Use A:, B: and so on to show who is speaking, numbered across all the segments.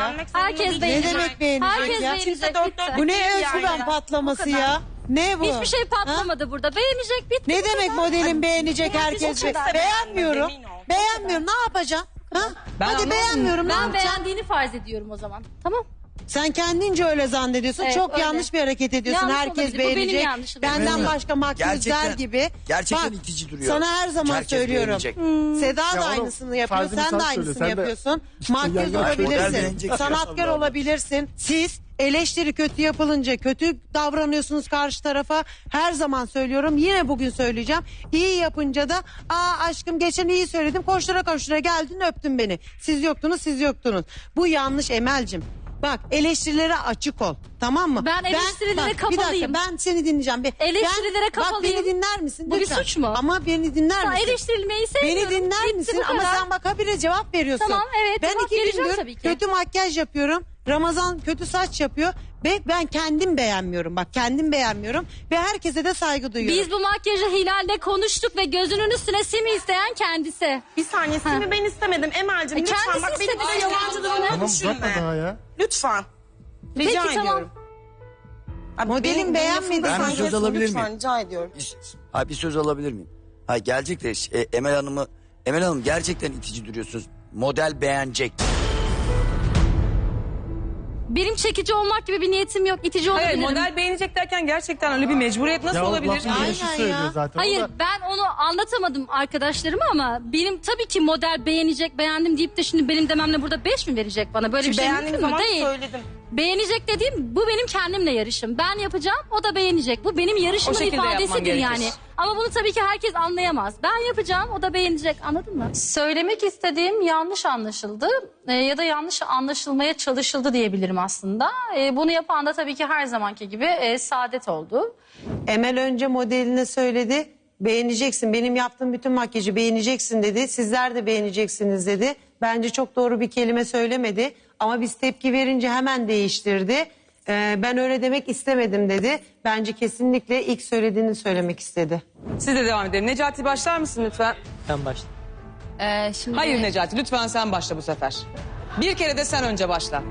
A: beğenmek zorunda
B: Herkes
A: değil.
B: beğenecek.
C: Ne demek beğenecek
B: Herkes
C: ya?
B: beğenecek.
A: Kimse dört
B: bitti.
A: dört
C: Bu ne
A: değil
C: özgüven
A: yani.
C: patlaması
B: O kadar.
C: ya? Ne bu?
B: Hiçbir şey patlamadı burada. Beğenecek bitti.
C: Ne demek modelin beğenecek herkes?
A: Kimse
C: Beğenmiyorum.
A: beğenmedi, emin ol.
C: Beğenmiyorum. Ne yapacaksın? Ha?
D: Ben
C: Hadi
D: anlamadım.
C: beğenmiyorum. Ne
B: Ben
C: yapacaksın?
B: beğendiğini farz ediyorum o zaman. Tamam.
C: Sen kendince öyle zannediyorsun.
B: Evet,
C: Çok
B: öyle.
C: yanlış bir hareket ediyorsun.
B: Yanlış
C: Herkes
B: olabilir. Bu benim
C: beğenecek.
B: yanlışım.
C: Benden
E: Evet.
C: başka makyözler
E: Gerçekten-
C: gibi.
E: gerçekten
C: Bak,
E: itici duruyor.
C: sana her zaman
E: Herkes
C: söylüyorum.
E: beğenecek.
C: Seda da
F: Ya oğlum,
C: aynısını yapıyor.
F: farzını
C: Sen
F: sen
C: de
F: söyle,
C: aynısını
F: sen de-
C: yapıyorsun.
F: İşte
C: Makyöz
F: yani-
E: Model
C: olabilirsin.
E: beğenecek.
C: Sanatkar
E: Allah Allah.
C: olabilirsin. Siz eleştiri kötü yapılınca kötü davranıyorsunuz karşı tarafa. Her zaman söylüyorum. Yine bugün söyleyeceğim. İyi yapınca da aşkım geçen iyi söyledim. Koştura koştura geldin öptün beni. Siz yoktunuz siz yoktunuz. Bu yanlış Emel'cim. Bak eleştirilere açık ol. Tamam mı?
B: Ben eleştirilere
C: bak, bir
B: kapalıyım.
C: dakika ben seni dinleyeceğim.
B: Eleştirilere
C: Bak
B: kapalıyım.
C: beni dinler misin?
B: Bu bir
C: Lütfen.
B: suç mu?
C: Ama beni dinler
B: Ben
C: misin?
B: eleştirilmeyi sevmiyorum.
C: Beni dinler
B: Bitti,
C: misin?
B: bu
C: Ama
B: kadar.
C: sen bak habire cevap veriyorsun.
B: Tamam, evet,
C: Ben
B: cevap
C: 2
B: vereceğim
C: gündür
B: tabii ki.
C: kötü makyaj yapıyorum. Ramazan kötü saç yapıyor. Ve ben kendim beğenmiyorum. Bak kendim beğenmiyorum. Ve herkese de saygı duyuyorum.
B: Biz bu makyajı Hilal'le konuştuk ve gözünün üstüne simi isteyen kendisi.
A: Bir saniye seni ben istemedim Emel'cim. Lütfen
B: kendisi
A: bak beni
B: istedi.
A: böyle yalancı durumuna
F: Tamam
A: düşürme.
F: uzatma daha ya.
A: Lütfen. Rica
B: Peki, tamam.
A: ediyorum. Abi,
C: Modelin
A: benim
C: beğenmediği
A: lafımı
E: Ben bir
A: sen
E: söz
A: kesme,
E: alabilir
A: lütfen,
E: miyim?
A: rica ediyorum.
E: Bir söz alabilir miyim? Gelecek de Emel Hanım gerçekten itici duruyorsunuz. Model beğenecek.
B: Benim çekici olmak gibi bir niyetim yok. İtici
D: Hayır
B: olabilirim.
D: model beğenecek derken gerçekten öyle bir mecburiyet nasıl
F: Ya
D: olabilir?
F: lafın gelişi
C: Aynen
F: söylüyor
C: ya.
F: zaten.
B: Hayır
F: O da-
B: ben onu anlatamadım arkadaşlarıma ama benim tabii ki model beğenecek beğendim deyip de şimdi benim dememle burada 5 mi verecek bana? Böyle bir şey
A: Beğendiğim
B: mümkün mü?
A: zaman
B: Değil.
A: söyledim.
B: Beğenecek dediğim bu benim kendimle yarışım. Ben yapacağım o da beğenecek. Bu benim yarışımın
D: O şekilde yapman
B: ifadesidir
D: gerekir.
B: yani. Ama bunu tabii ki herkes anlayamaz. Ben yapacağım o da beğenecek anladın mı? Söylemek istediğim yanlış anlaşıldı ya da yanlış anlaşılmaya çalışıldı diyebilirim aslında. Bunu yapan da tabii ki her zamanki gibi Saadet oldu.
C: Emel önce modeline söyledi. Beğeneceksin. Benim yaptığım bütün makyajı beğeneceksin dedi. Sizler de beğeneceksiniz dedi. Bence çok doğru bir kelime söylemedi. Ama biz tepki verince hemen değiştirdi. Ben öyle demek istemedim dedi. Bence kesinlikle ilk söylediğini söylemek istedi.
D: Siz de devam edelim. Necati başlar mısın lütfen?
G: Sen başla.
B: Şimdi
D: Hayır Necati lütfen sen başla bu sefer. Bir kere de sen önce başla.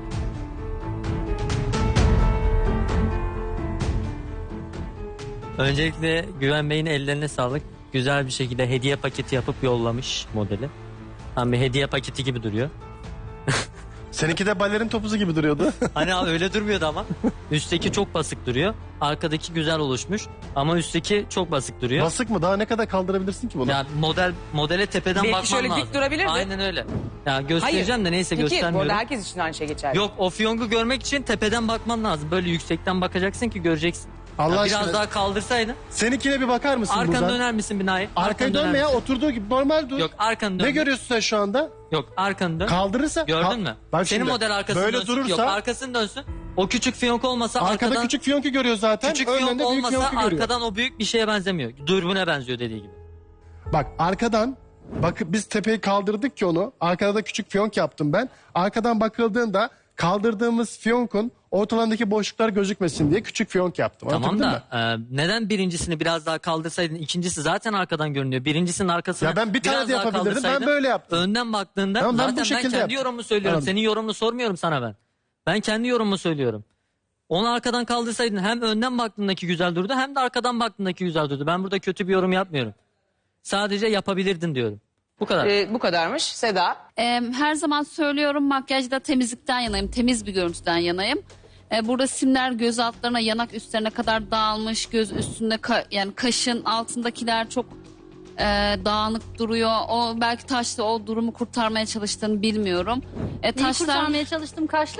G: Öncelikle Güven Bey'in ellerine sağlık. Güzel bir şekilde hediye paketi yapıp yollamış modeli. Tam bir hediye paketi gibi duruyor.
F: Seninki de balerin topuzu gibi duruyordu.
G: Hani abi öyle durmuyordu ama. Üstteki çok basık duruyor. Arkadaki güzel oluşmuş. Ama üstteki çok basık duruyor.
F: Basık mı? Daha ne kadar kaldırabilirsin ki bunu?
G: Ya modele tepeden
D: Belki
G: bakman
D: şöyle dik
G: lazım.
D: durabilirdi.
G: Aynen öyle. Ya göstereceğim de neyse
D: Peki bu
G: göstermiyorum.
D: arada herkes için aynı şey geçerli.
G: Yok o fiyongu görmek için tepeden bakman lazım. Böyle yüksekten bakacaksın ki göreceksin.
F: Allah
G: Ya
F: aşkına.
G: biraz daha kaldırsaydın.
F: Seninkine bir bakar mısın
G: Arkanı
F: buradan?
G: döner misin binayı?
F: Arkaya
G: Arkanı döner
F: dönme ya
G: misin?
F: oturduğu gibi normal dur.
G: Yok arkanı dön.
F: Ne görüyorsun sen şu anda?
G: Yok arkanı dön.
F: Kaldırırsa.
G: Gördün mü?
F: Bak
G: Senin
F: şimdi,
G: model arkasını
F: böyle
G: dönsün.
F: durursa
G: Yok arkasını dönsün. O küçük fiyonk olmasa
F: arkada
G: arkadan...
F: küçük fiyonku görüyor zaten.
G: Küçük
F: Önden
G: fiyonk
F: de büyük
G: olmasa
F: fiyonku görüyor.
G: arkadan o büyük bir şeye benzemiyor. Dürbüne benziyor dediği gibi.
F: Bak arkadan biz tepeyi kaldırdık ki onu. Arkada da küçük fiyonk yaptım ben. Arkadan bakıldığında kaldırdığımız fiyonkun ortalarındaki boşluklar gözükmesin diye küçük fiyonk yaptım.
G: Tamam
F: Anlatabildim
G: da
F: mi?
G: neden birincisini biraz daha kaldırsaydın, ikincisi zaten arkadan görünüyor. Birincisinin arkasını
F: Ya ben bir tane
G: biraz
F: de
G: daha
F: yapabilirdim, ben
G: kaldırsaydın,
F: böyle yaptım.
G: Önden baktığında
F: Tamam, ben bu
G: zaten ben
F: şekilde
G: kendi
F: yaptım.
G: yorumumu söylüyorum.
F: Anladım.
G: Senin yorumunu sormuyorum sana ben. Ben kendi yorumumu söylüyorum. Onu arkadan kaldırsaydın hem önden baktığındaki güzel durdu hem de arkadan baktığındaki güzel durdu. Ben burada kötü bir yorum yapmıyorum. Sadece yapabilirdin diyorum. Bu kadar.
D: Bu kadarmış. Seda.
H: Her zaman söylüyorum makyajda temizlikten yanayım. Temiz bir görüntüden yanayım. Burada simler göz altlarına, yanak üstlerine kadar dağılmış. Göz üstünde yani kaşın altındakiler çok dağınık duruyor. O belki taşla o durumu kurtarmaya çalıştığını bilmiyorum.
B: Neyi
H: Taşlar
B: kurtarmaya çalıştım kaşla?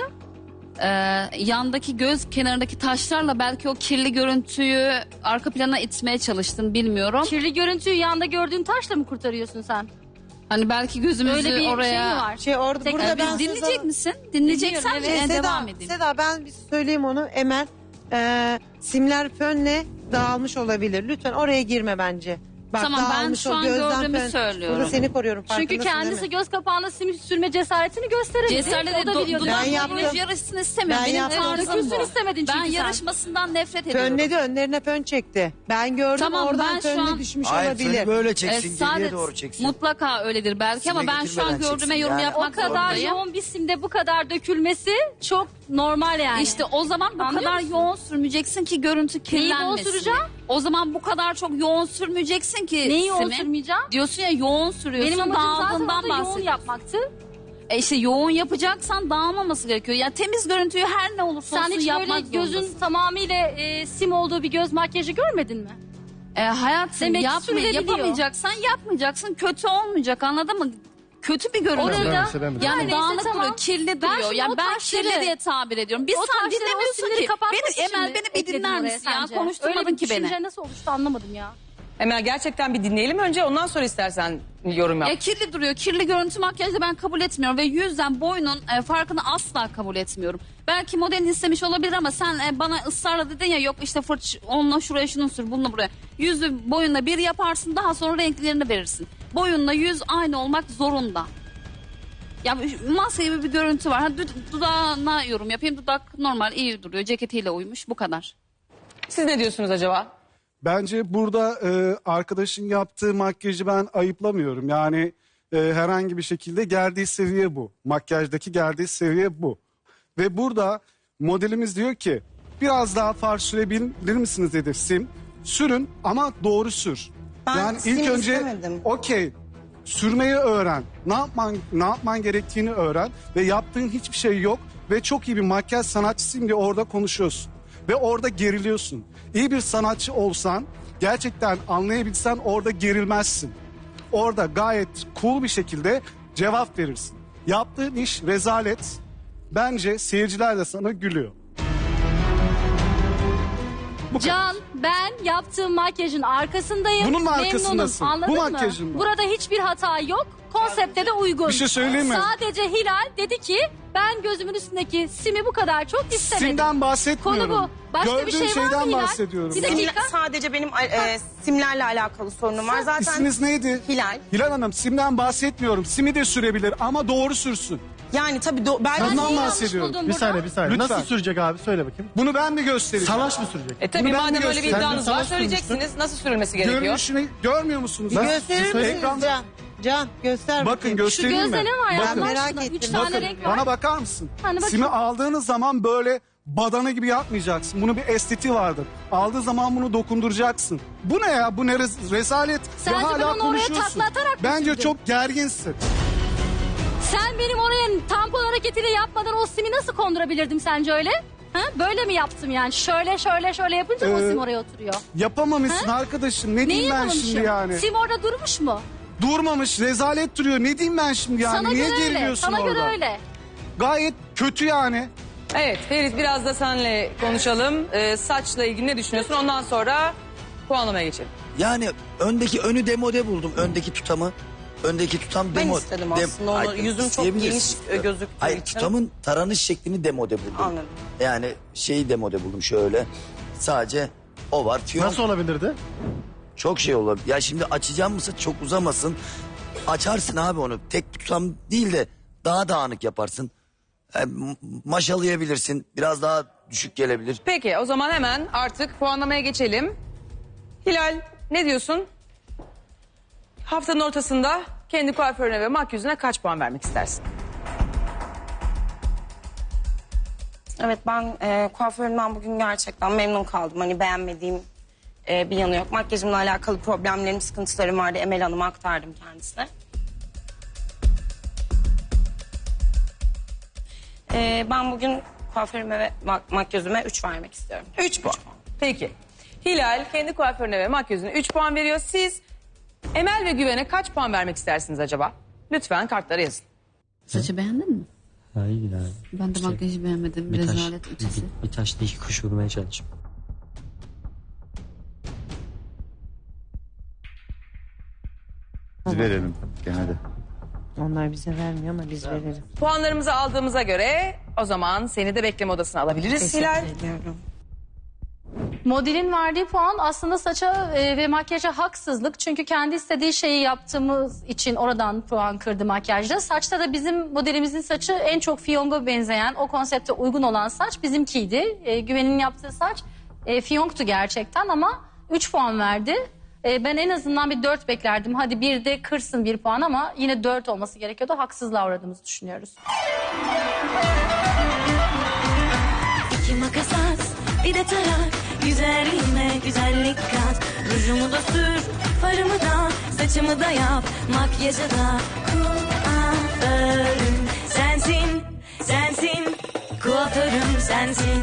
H: yandaki göz kenarındaki taşlarla belki o kirli görüntüyü arka plana itmeye çalıştın bilmiyorum.
B: Kirli görüntüyü yanda gördüğün taşla mı kurtarıyorsun sen?
H: Hani belki gözümüzü
B: Öyle bir
H: oraya...
B: şey mi var?
C: Orada
B: Tekrar
C: burada
H: Biz
C: ben
H: dinleyecek misin? Dinleyeceksen
B: Dinliyorum, evet.
H: devam edeyim.
C: Seda ben bir söyleyeyim onu Emel. Simler fönle dağılmış olabilir. Lütfen oraya girme bence. Bak,
H: Tamam, ben
C: dağılmış
H: şu
C: o
H: an
C: gözden
H: gördüğümü
C: fön.
H: söylüyorum.
C: Burada seni koruyorum.
B: Çünkü
C: farkındasın değil
B: kendisi
C: mi?
B: göz kapağına sim sürme cesaretini gösteremedi.
H: Cesaretle
B: O da biliyordu.
C: Ben yaptım.
H: yarışsın istemiyorum.
C: Ben
H: Benim
C: yaptım.
H: tarzım
B: Dökülsün
H: bu.
B: istemedin
H: Ben
B: çünkü sen.
H: yarışmasından nefret ediyorum.
C: Fönledi, önlerine fön çekti. Ben gördüm,
H: Tamam,
C: oradan
H: ben şu
C: fönle
H: an-
C: düşmüş
E: Hayır
C: olabilir.
E: seni böyle çeksin geriye
H: Saadet,
E: doğru çeksin.
H: mutlaka öyledir belki ama
E: Sime
H: ben şu an
E: getirmeden
H: gördüğüme
E: çeksin.
H: yorum
E: Yani
H: yapmak
B: O kadar
H: zorundayım.
B: yoğun bir simde bu kadar dökülmesi çok normal yani.
H: İşte o zaman bu
B: Anlıyor
H: kadar
B: musun?
H: yoğun sürmeyeceksin ki görüntü
B: Neyi yoğun
H: kirlenmesin.
B: süreceğim?
H: O zaman bu kadar çok yoğun sürmeyeceksin ki.
B: Neyi yoğun
H: Simi.
B: sürmeyeceğim?
H: Diyorsun ya yoğun sürüyorsun.
B: Benim amacım zaten
H: dağıldığından
B: orada yoğun
H: bahsediyorsun.
B: yapmaktı.
H: İşte yoğun yapacaksan dağılmaması gerekiyor. Ya temiz görüntüyü her ne olursa
B: Sen
H: olsun
B: hiç
H: yapmak
B: böyle gözün
H: zorundasın.
B: tamamıyla sim olduğu bir göz makyajı görmedin mi?
H: Hayatım
B: Demek ki sürülebiliyor.
H: yapamayacaksan yapmayacaksın. Kötü olmayacak, anladın mı? Kötü bir görüntü.
B: Orada
F: Ben de.
H: Yani
B: neyse,
H: dağınık
B: tamam.
H: duruyor, kirli
B: Ben
H: duruyor.
B: şimdi
H: Yani
B: o
H: ben
B: taşları-
H: kirli diye tabir ediyorum. Biz
B: O
H: sen
B: taşları, o
H: dinlemiyorsun
B: simleri
H: ki.
B: kapatmak
H: Beni,
B: için
H: Emel
B: mi
H: beni bir
B: ekledin
H: dinler
B: oraya
H: misin ya?
B: sence?
H: Konuşturmadın
B: Öyle bir
H: ki beni.
B: düşünce nasıl oluştu anlamadım ya.
D: Emel gerçekten bir dinleyelim önce ondan sonra istersen yorum yap.
H: Ya kirli duruyor. Kirli görüntü makyajı da ben kabul etmiyorum. Ve yüzden boynun farkını asla kabul etmiyorum. Belki modelin istemiş olabilir ama sen bana ısrarla dedin ya yok işte fırç onunla şuraya şunu sür bununla buraya. Yüzü boyunla bir yaparsın daha sonra renklerini verirsin. Boyunla yüz aynı olmak zorunda. Ya maske gibi bir görüntü var. Ha, dudağına yorum yapayım. Dudak normal iyi duruyor. Ceketiyle uymuş. Bu kadar.
D: Siz ne diyorsunuz acaba?
I: Bence burada arkadaşın yaptığı makyajı ben ayıplamıyorum. Yani herhangi bir şekilde geldiği seviye bu. Makyajdaki geldiği seviye bu. Ve burada modelimiz diyor ki biraz daha far sürebilir misiniz dedi sim. Sürün ama doğru sür.
A: Ben
I: yani
A: sim
I: ilk önce
A: istemedim.
I: okey sürmeyi öğren. Ne yapman gerektiğini öğren ve yaptığın hiçbir şey yok ve çok iyi bir makyaj sanatçısıyım diye orada konuşuyorsun. Ve orada geriliyorsun. İyi bir sanatçı olsan, gerçekten anlayabilsen orada gerilmezsin. Orada gayet cool bir şekilde cevap verirsin. Yaptığın iş rezalet. Bence seyirciler de sana gülüyor. Bu kadar.
B: Can, ben yaptığım makyajın arkasındayım.
I: Bunun mu
B: Memnunum,
I: arkasındasın?
B: anladın
I: Bu
B: mı?
I: makyajın mı?
B: Burada hiçbir hata yok. Konsepte de uygun.
I: Bir şey söyleyeyim mi?
B: Sadece Hilal dedi ki ben gözümün üstündeki simi bu kadar çok istemedim.
I: Simden bahsetmiyorum.
B: Konu bu. Başka
I: Gördüğün
B: bir şey var mı
I: şeyden
B: Hilal?
I: bahsediyorum.
B: Bir
I: ya.
B: dakika.
A: Sadece benim simlerle alakalı sorunum var. Zaten
I: İsminiz neydi?
A: Hilal.
I: Hilal Hanım simden bahsetmiyorum. Simi de sürebilir ama doğru sürsün.
A: Yani tabii belki
I: Bundan
B: neyi yanlış
I: bahsediyorum.
B: buldun
F: Bir
B: burada?
F: saniye bir saniye.
I: Lütfen.
F: Nasıl sürecek abi söyle bakayım.
I: Bunu ben mi göstereceğim?
F: Salaş mı sürecek?
D: Tabii
I: Bunu ben
D: madem
I: de
D: öyle bir
I: göstereyim.
D: iddianız var
F: Sen de
D: söyleyeceksiniz. Nasıl sürülmesi gerekiyor?
I: Görünüşünü görmüyor musunuz?
C: Bir gösterir misiniz
I: Ekranda-
C: Can? Can göster
I: Bakın
C: bakayım.
B: Şu
I: göstereyim mi?
B: gözde ne var ya?
I: Bakın.
B: Allah
C: merak
B: aşkına?
C: ettim.
B: 3 tane
I: Bakın
B: renk var.
I: bana bakar mısın?
B: Hani bakayım.
I: Simi aldığınız zaman böyle badana gibi yapmayacaksın. Bunun bir estetiği vardır. Aldığı zaman bunu dokunduracaksın. Bu ne ya? Bu ne rezalet?
B: Sence
I: Ve
B: ben
I: hala
B: onu oraya
I: konuşuyorsun.
B: taklatarak mı
I: Bence
B: sürdüm?
I: çok gerginsin.
B: Sen benim oraya tampon hareketiyle yapmadan o simi nasıl kondurabilirdim sence öyle? Ha? Böyle mi yaptım yani? Şöyle yapınca mı o sim oraya oturuyor?
I: Yapamamışsın arkadaşım. Ne
B: Neyi
I: diyeyim ben
B: yapamamışım?
I: şimdi yani?
B: Sim orada durmuş mu?
I: Durmamış, rezalet duruyor. Ne diyeyim ben şimdi yani?
B: Sana
I: Niye
B: göre öyle.
I: geriliyorsun
B: Sana
I: orada?
B: göre öyle.
I: Gayet kötü yani.
D: Evet Ferit biraz da seninle konuşalım. Saçla ilgili ne düşünüyorsun? Ondan sonra puanlamaya geçelim.
E: Yani önü demode buldum. Öndeki tutamı. Öndeki tutam
A: Ben
E: demo.
A: istedim aslında onu.
E: Ay,
A: Yüzüm çok
E: isteyebilirsin.
A: geniş gözüktüğü
E: Hayır
A: için.
E: tutamın taranış şeklini demode buldum.
A: Anladım.
E: Yani şeyi demode buldum şöyle. Sadece o var. Fiyonk
F: Nasıl olabilirdi?
E: çok şey olabilir. Ya şimdi açacağım mısın çok uzamasın. Açarsın abi onu. Tek tutam değil de daha dağınık yaparsın. Maşalayabilirsin. Biraz daha düşük gelebilir.
D: Peki o zaman hemen artık puanlamaya geçelim. Hilal ne diyorsun? Haftanın ortasında kendi kuaförüne ve makyözüne kaç puan vermek istersin?
A: Evet ben kuaförümden bugün gerçekten memnun kaldım. Hani beğenmediğim bir yanı yok. Makyajımla alakalı problemlerim, sıkıntılarım vardı. Emel Hanım'a aktardım kendisine. Ben bugün kuaförüme ve makyözüme 3 vermek istiyorum.
D: 3 puan. Peki. Hilal kendi kuaförüne ve makyözüne 3 puan veriyor. Siz Emel ve Güven'e kaç puan vermek istersiniz acaba? Lütfen kartlara yazın.
H: Saçı beğendin mi?
G: Hayır abi.
H: Ben de makyajı beğenmedim. Rezalet ötesi.
G: Bir taşla iki kuş vurmaya çalıştım.
J: Biz verelim gene de.
C: Onlar bize vermiyor ama biz veririz.
D: Puanlarımızı aldığımıza göre o zaman seni de bekleme odasına alabiliriz Hilal.
A: Teşekkür ediyorum.
B: Modelin verdiği puan aslında saça ve makyaja haksızlık. Çünkü kendi istediği şeyi yaptığımız için oradan puan kırdı makyajda. Saçta da bizim modelimizin saçı en çok fiyonga benzeyen, o konsepte uygun olan saç bizimkiydi. Güven'in yaptığı saç fiyonktu gerçekten ama 3 puan verdi. Ben en azından bir 4 beklerdim. Hadi bir de kırsın 1 puan ama yine 4 olması gerekiyordu. Haksızlığa uğradığımızı düşünüyoruz.
J: İki makas at, bir de tarak. Güzelliğime güzellik kat. Rujumu da sür, farımı da, saçımı da yap. Makyajı da kuaförüm sensin, sensin. Kuaförüm sensin.